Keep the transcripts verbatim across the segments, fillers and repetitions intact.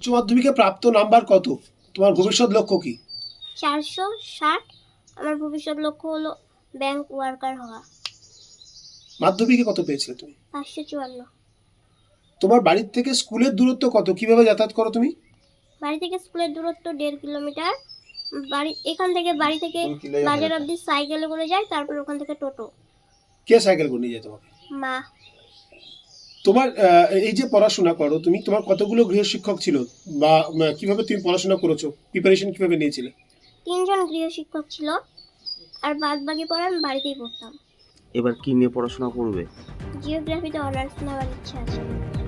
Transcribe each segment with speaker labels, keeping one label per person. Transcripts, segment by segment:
Speaker 1: মাধ্যমিকে প্রাপ্ত নাম্বার কত? তোমার ভবিষ্যৎ লক্ষ্য কি?
Speaker 2: চারশো ষাট। আমার ভবিষ্যৎ লক্ষ্য হলো ব্যাংক ওয়ার্কার হওয়া।
Speaker 1: মাধ্যমিকে কত পেয়েছিলে তুমি?
Speaker 2: পাঁচশো চুয়ান্ন।
Speaker 1: তোমার বাড়ির থেকে স্কুলের দূরত্ব কত? কিভাবে যাতায়াত করো তুমি?
Speaker 2: বাড়ি থেকে স্কুলের দূরত্ব দেড় কিলোমিটার। বাড়ি এখান থেকে বাড়ি থেকে বাজার অবধি সাইকেলে করে যাই, তারপর ওখান থেকে টোটো।
Speaker 1: কে সাইকেল করে নিয়ে যায় তোমাকে?
Speaker 2: মা।
Speaker 1: তোমার এই যে পড়াশোনা করো তুমি, তোমার কতগুলো গৃহশিক্ষক ছিল বা কিভাবে তুমি পড়াশোনা করেছো, প্রিপারেশন কিভাবে নিয়েছিলে?
Speaker 2: তিনজন গৃহশিক্ষক ছিল, আর বাদ বাকি পড়া আমি বাড়িতেই পড়তাম।
Speaker 3: এবার কি নিয়ে পড়াশোনা করবে?
Speaker 2: জিওগ্রাফিতে অনার্স নেওয়ার ইচ্ছা আছে।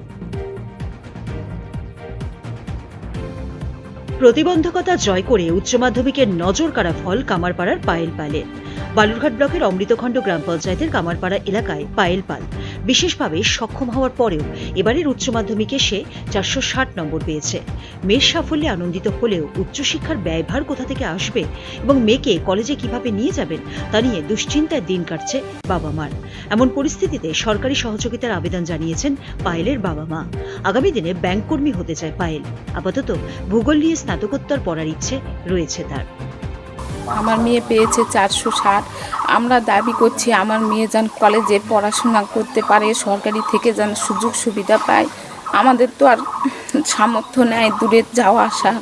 Speaker 4: প্রতিবন্ধকতা জয় করে উচ্চ মাধ্যমিকের নজর কাড়া ফল কামারপাড়ার পায়েল পালের। বালুরঘাট ব্লকের অমৃতখণ্ড গ্রাম পঞ্চায়েতের কামারপাড়া এলাকায় পায়েল পাল বিশেষভাবে সক্ষম হওয়ার পরেও এবারের উচ্চ মাধ্যমিকে সে চারশো ষাট নম্বর পেয়েছে। মেয়ের সাফল্যে আনন্দিত হলেও উচ্চশিক্ষার ব্যয়ভার কোথা থেকে আসবে এবং মেয়েকে কলেজে কিভাবে নিয়ে যাবেন তা নিয়ে দুশ্চিন্তায় দিন কাটছে বাবা মার। এমন পরিস্থিতিতে সরকারি সহযোগিতার আবেদন জানিয়েছেন পায়েলের বাবা মা। আগামী দিনে ব্যাংক কর্মী হতে চায় পায়েল। আপাতত ভূগোল নিয়ে স্নাতকোত্তর পড়ার ইচ্ছে রয়েছে তার।
Speaker 5: আমার মেয়ে পেয়েছে চারশো ষাট। আমরা দাবি করছি আমার মেয়ে যেন কলেজে পড়াশোনা করতে পারে, সরকারি থেকে যেন সুযোগ সুবিধা পায়। আমাদের তো আর সামর্থ্য নেই দূরে যাওয়া আসা।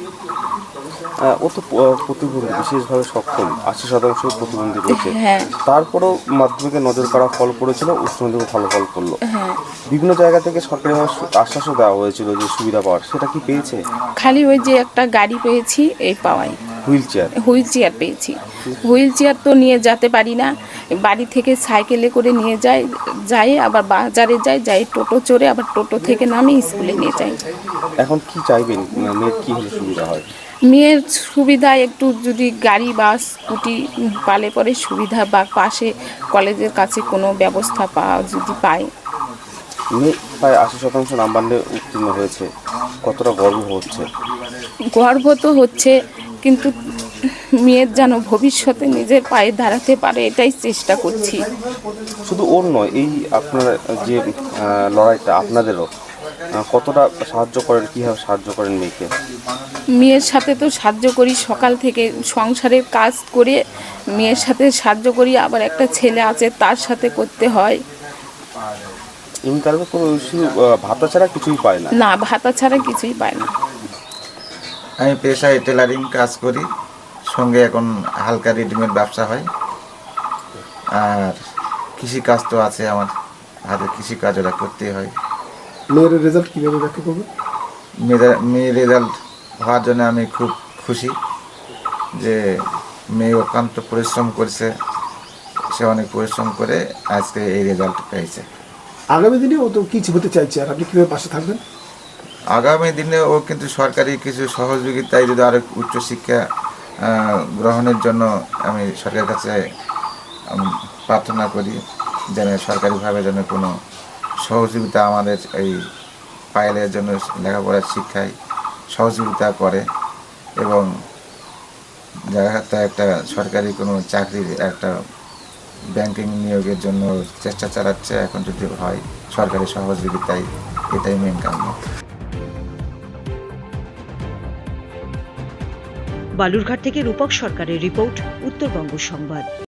Speaker 3: ও তো প্রতিবন্ধী, বিশেষভাবে সক্ষম, আশি শতাংশ প্রতিবন্ধী রয়েছে।
Speaker 5: হ্যাঁ,
Speaker 3: তারপরেও মাধ্যমিকে নজর কাড়া ফল পড়েছিল, উচ্চ মাধ্যমিকে ভালো ফল করলো।
Speaker 5: হ্যাঁ,
Speaker 3: বিভিন্ন জায়গা থেকে সরকারিভাবে আশ্বাসও দেওয়া হয়েছিল যে সুবিধা পাওয়ার, সেটা কি পেয়েছে?
Speaker 5: খালি ওই যে একটা গাড়ি পেয়েছি এই পাওয়াই।
Speaker 3: হুইল চেয়ার
Speaker 5: হুইল চেয়ার পেয়েছি। হুইল চেয়ার তো নিয়ে যেতে পারি না, বাড়ি থেকে সাইকেলে করে নিয়ে যাই, যাই আবার বাজারে যাই, যাই টোটো চড়ে, আবার টোটো থেকে নামে স্কুলে নিয়ে যাই।
Speaker 3: এখন কি চাইবেন, মেয়ের কি হলে সুবিধা হয়?
Speaker 5: মেয়ের সুবিধা একটু যদি গাড়ি বা স্কুটি পালে পরে সুবিধা, বা পাশে কলেজের কাছে কোনো ব্যবস্থা পাওয়া যদি পায়।
Speaker 3: মেয়ে প্রায় আশি শতাংশ নাম্বার নিয়ে উত্তীর্ণ হয়েছে, কতটা গর্ব হচ্ছে?
Speaker 5: গর্ব তো হচ্ছে, কিন্তু মেয়ের যেন ভবিষ্যতে নিজের পায়ে দাঁড়াতে পারে এটাই চেষ্টা করছি।
Speaker 3: শুধু ওর নয়, এই আপনার যে লড়াইটা আপনাদেরও, কতটা সাহায্য করেন, কীভাবে সাহায্য করেন মেয়েকে?
Speaker 5: মেয়ের সাথে তো সাহায্য করি, সকাল থেকে সংসারের কাজ করে মেয়ের সাথে সাহায্য করি, আবার একটা ছেলে আছে তার সাথে করতে হয়।
Speaker 3: ইনকাম কোনো শুধু ভাতা ছাড়া কিছুই পায় না?
Speaker 5: না, ভাতা ছাড়া কিছুই পায় না।
Speaker 6: আমি পেশায় টেলারিং কাজ করি, সঙ্গে এখন হালকা রেডিমেড ব্যবসা হয়, আর কৃষিকাজ তো আছে আমার হাতে, কৃষিকাজ ওরা করতেই হয়।
Speaker 1: মেয়ের রেজাল্ট কীভাবে ব্যাখ্যা করবে?
Speaker 6: মেয়েদের মেয়ের রেজাল্ট হওয়ার জন্য আমি খুব খুশি যে মেয়ে অত্যন্ত পরিশ্রম করেছে, সে অনেক পরিশ্রম করে আজকে এই রেজাল্ট পেয়েছে।
Speaker 1: আগামী দিনে ও তো কিছু হতে চাইছে, আর আপনি কীভাবে পাশে থাকবেন?
Speaker 6: আগামী দিনে ও কিন্তু সরকারি কিছু সহযোগিতায় যদি আরও উচ্চশিক্ষা গ্রহণের জন্য আমি সরকারের কাছে প্রার্থনা করি যেন সরকারিভাবে যেন কোনো সহযোগিতা আমাদের এই পায়েলের জন্য লেখাপড়ার শিক্ষায় সহযোগিতা করে, এবং জায়গাতে একটা সরকারি কোনো চাকরির একটা ব্যাংকিং নিয়োগের জন্য চেষ্টা চালাচ্ছে। এখন যদি হয় সরকারি সহযোগিতায়, এটাই মেন কাম্য।
Speaker 4: বালুরঘাট থেকে রূপক সরকারের রিপোর্ট, উত্তরবঙ্গ সংবাদ।